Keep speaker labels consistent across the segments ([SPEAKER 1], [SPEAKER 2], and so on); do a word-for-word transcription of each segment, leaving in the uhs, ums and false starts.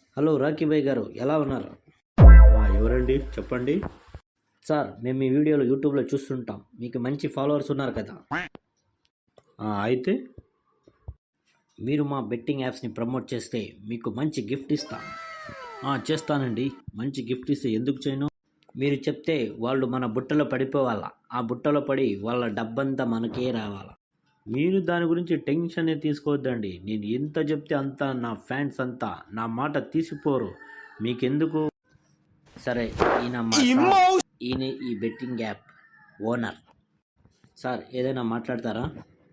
[SPEAKER 1] Hello Rocky భాయ్ గారు, ఎలా ఉన్నారు?
[SPEAKER 2] ఆ, ఎవరండి చెప్పండి.
[SPEAKER 1] సార్, మేము మీ వీడియోలు యూట్యూబ్లో చూస్తుంటాం. మీకు మంచి ఫాలోవర్స్ ఉన్నారు కదా.
[SPEAKER 2] ఆ, అయితే
[SPEAKER 1] మీరు మా బెట్టింగ్ యాప్స్ని ప్రమోట్ చేస్తే మీకు మంచి గిఫ్ట్ ఇస్తాం. ఆ, చేస్తానండి. మంచి గిఫ్ట్ ఇస్తే ఎందుకు చేయను? మీరు చెప్తే వాళ్ళు మన బుట్టలో పడిపోవాలా. ఆ బుట్టలో పడి వాళ్ళ డబ్బంతా మనకే రావాలా.
[SPEAKER 2] మీరు దాని గురించి టెన్షన్ తీసుకోవద్దండి. నేను ఎంత చెప్తే అంత నా ఫ్యాన్స్ అంతా నా మాట తీసిపోరు. మీకెందుకు?
[SPEAKER 1] సరే, ఈయన మా సార్. ఈయన ఈ బెట్టింగ్ యాప్ ఓనర్. సార్, ఏదైనా మాట్లాడతారా?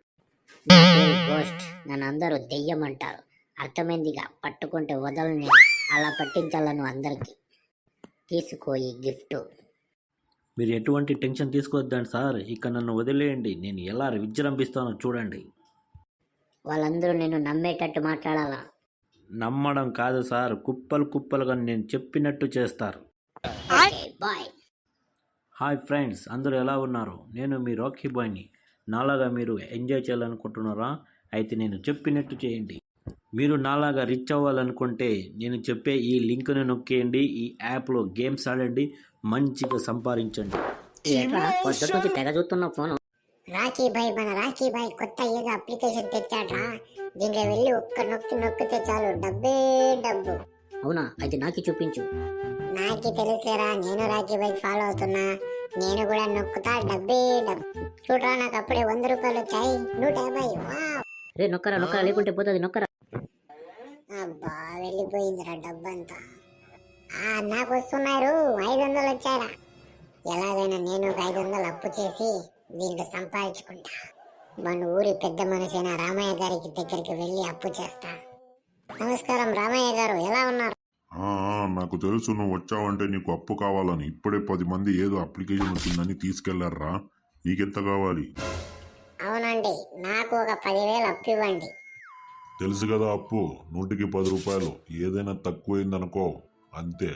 [SPEAKER 3] నా పేరు గోస్ట్. నన్ను అందరూ దెయ్యం అంటారు. అర్థమైందిగా, పట్టుకుంటే వదలని అలా పట్టించాలను అందరికీ. తీసుకో ఈ గిఫ్ట్.
[SPEAKER 2] మీరు ఎటువంటి టెన్షన్ తీసుకోవద్దండి సార్. ఇక నన్ను వదిలేయండి. నేను ఎలా విజృంభిస్తానో చూడండి.
[SPEAKER 3] వాళ్ళందరూ నేను నమ్మేటట్టు మాట్లాడాలా?
[SPEAKER 2] నమ్మడం కాదు సార్, కుప్పలు కుప్పలుగా నేను చెప్పినట్టు చేస్తారు.
[SPEAKER 3] Okay, bye.
[SPEAKER 2] హాయ్ ఫ్రెండ్స్, అందరూ ఎలా ఉన్నారు? నేను మీ రాకీ బాయ్ని. నాలాగా మీరు ఎంజాయ్ చేయాలనుకుంటున్నారా? అయితే నేను చెప్పినట్టు చేయండి. మీరు నాలాగా రిచ్ అవ్వాలనుకుంటే నేను చెప్పే ఈ లింక్ను నొక్కేయండి. ఈ యాప్లో గేమ్స్ ఆడండి, మంచిగా సంపాదించండి.
[SPEAKER 3] పొద్దుట నుంచి తెగ చూస్తున్న ఫోను.
[SPEAKER 4] రాకీ భాయ్ మన రాకీ భాయ్ కొత్త ఏదో అప్లికేషన్ తెచ్చాడ్రా. దీంట్లో వెళ్ళి ఒక్క నొక్కి నొక్కితే చాలు, డబ్బే డబ్బు.
[SPEAKER 3] అవునా? అయితే నాకి చూపించు.
[SPEAKER 4] నాకి తెలుసురా, నేను రాకీ భాయ్ ఫాలో అవుతున్నా. నేను కూడా నొక్కుతా, డబ్బే డబ్బు. చూడరా, నాకు అప్పుడే వంద రూపాయలు వచ్చాయి. నూట యాభై. వావ్.
[SPEAKER 3] రే నొక్కరా నొక్కరా, లేకుంటే పోతుంది. నొక్కరా.
[SPEAKER 4] అబ్బా, వెళ్ళిపోయిందిరా డబ్బంతా. ఆ నాకు వస్తున్నారు, ఐదు వందలు వచ్చారా. ఎలాగైనా నేను ఒక ఐదు వందలు అప్పు చేసి దీంట్లో సంపాదించుకుంటా. మన ఊరి పెద్ద మనిషైన రామయ్య గారికి దగ్గరికి వెళ్ళి అప్పు చేస్తా. నమస్కారం రామయ్య గారు, ఎలా ఉన్నారు?
[SPEAKER 5] ఆ, ఆ, నాకు తెలుసు నువ్వు వచ్చావంటే నీకు అప్పు కావాలని. ఇప్పుడే పది మంది ఏదో అప్లికేషన్ వచ్చిందని తీసుకెళ్లారా. నీకెంత కావాలి?
[SPEAKER 4] అవునండి, నాకు ఒక పదివేలు అప్పు ఇవ్వండి.
[SPEAKER 5] తెలుసు కదా, అప్పు నూటికి పది రూపాయలు. ఏదైనా తక్కువైందనుకో అంతే.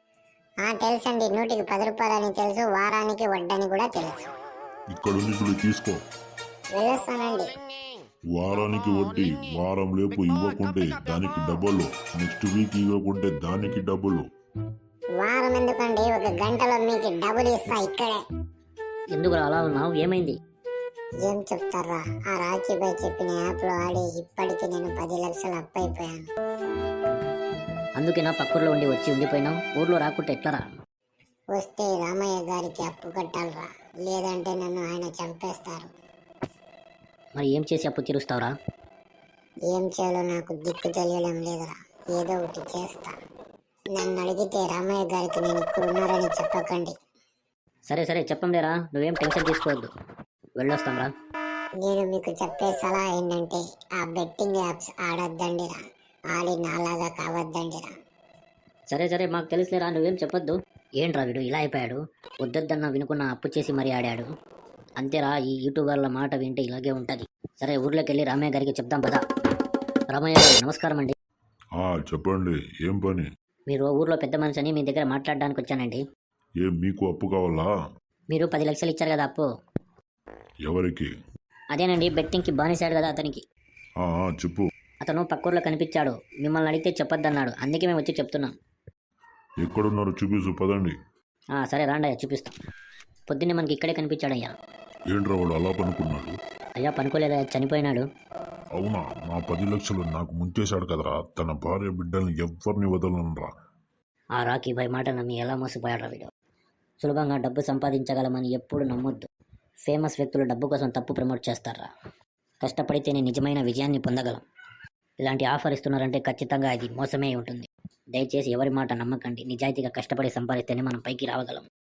[SPEAKER 4] ఆ తెలుసండి, నూటికి పది రూపాయలు అని తెలుసు, వారానికి వడ్డని కూడా తెలుసు.
[SPEAKER 5] ఇక్కడుంది చూడు, తీసుకో.
[SPEAKER 4] వెళ్ళొస్తానండి.
[SPEAKER 5] వారానికి వడ్డీ, వారం లేపు ఇవ్వకుంటే దానికి డబ్బులు, నెక్స్ట్ వీక్ ఇవ్వకుంటే దానికి డబ్బులు.
[SPEAKER 4] వారం ఎందుకండి, ఒక గంటలో మీకు డబ్బులు ఇస్తా ఇక్కడే.
[SPEAKER 3] ఎందుకు అలా ఉన్నావు? ఏమైంది?
[SPEAKER 4] ఏం చెప్తారా, ఆ రాకీ బాయ్ చెప్పిన యాప్ లో ఆడి ఇప్పటికి నేను పది లక్షలు అప్పు అయిపోయాను.
[SPEAKER 3] అందుకే నా పక్కూర్లో ఉండి వచ్చి ఉండిపోయినావు. ఊర్లో రాకుంటే ఎట్లరా?
[SPEAKER 4] వస్తే రామయ్య గారికి అప్పు కట్టాలరా, లేదంటే నన్ను ఆయన చంపేస్తారు.
[SPEAKER 3] మరి ఏం చేసి అప్పు తీరుస్తావురా?
[SPEAKER 4] ఏం చేయాలో నాకు దిక్కు తెలియడం లేదురా, ఏదో ఒకటి చేస్తా. నన్ను అడిగితే రామయ్య గారికి నేను ఇక్కడ ఉన్నారని చెప్పకండి.
[SPEAKER 3] సరే సరే, చెప్పంలేరా, నువ్వేం టెన్షన్ తీసుకోవద్దు. వెళ్ళొస్తాంరా.
[SPEAKER 4] నేను మీకు చెప్పే సలహా ఏంటంటే, ఆ బెట్టింగ్ యాప్స్ ఆడొద్దండిరా, ఆడి నాలాగా కావద్దండిరా.
[SPEAKER 3] సరే సరే, మాకు తెలుసులేరా, నువ్వేం చెప్పొద్దు. ఏంట్రా వీడు ఇలా అయిపోయాడు? వద్దొద్దన్న వినుకున్న అప్పు చేసి మరీ ఆడాడు. అంతేరా, ఈ యూట్యూబర్ల మాట వింటే ఇలాగే ఉంటుంది. సరే, ఊర్లోకి వెళ్ళి రామయ్య గారికి చెప్దాం పదా. రామయ్య గారు నమస్కారం అండి.
[SPEAKER 5] ఆ చెప్పండి, ఏం పని?
[SPEAKER 3] మీరు ఊర్లో పెద్ద మనిషి అని మీ దగ్గర మాట్లాడడానికి వచ్చానండి.
[SPEAKER 5] ఏం మీకు అప్పు కావాలా?
[SPEAKER 3] మీరు పది లక్షలు ఇచ్చారు కదా అప్పు.
[SPEAKER 5] ఎవరికి?
[SPEAKER 3] అదేనండి, బెట్టింగ్కి బానిసాడు కదా అతనికి.
[SPEAKER 5] ఆ, ఆ, చెప్పు.
[SPEAKER 3] అతను పక్కూర్లో కనిపించాడు, మిమ్మల్ని అడిగితే చెప్పొద్దన్నాడు. అందుకే మేము వచ్చి చెప్తున్నాం.
[SPEAKER 5] ఎక్కడున్నారు చూపిసు, పదండి.
[SPEAKER 3] ఆ, సరే రాండయ్యా, చూపిస్తాం. పొద్దున్నే మనకి ఇక్కడే కనిపించాడయ్యా.
[SPEAKER 5] ఏంట్రా వాడు అలా పనుకున్నాడు?
[SPEAKER 3] అయ్యా పనుకోలేదా, చనిపోయినాడు.
[SPEAKER 5] అవునా? నా పది లక్షలు నాకు ముంచేశాడు కదరా. తన భార్య బిడ్డల్ని ఎవ్వరిని వదలనురా.
[SPEAKER 3] ఆ రాకీ భాయ్ మాట నమ్మి ఎలా మోసపోయాడు వీడు. సులభంగా డబ్బు సంపాదించగలమని ఎప్పుడు నమ్మొద్దు. ఫేమస్ వ్యక్తులు డబ్బు కోసం తప్పు ప్రమోట్ చేస్తారా. కష్టపడితేనే నిజమైన విజయాన్ని పొందగలం. ఇలాంటి ఆఫర్ ఇస్తున్నారంటే ఖచ్చితంగా అది మోసమే ఉంటుంది. దయచేసి ఎవరి మాట నమ్మకండి. నిజాయితీగా కష్టపడి సంపాదిస్తేనే మనం పైకి రావగలం.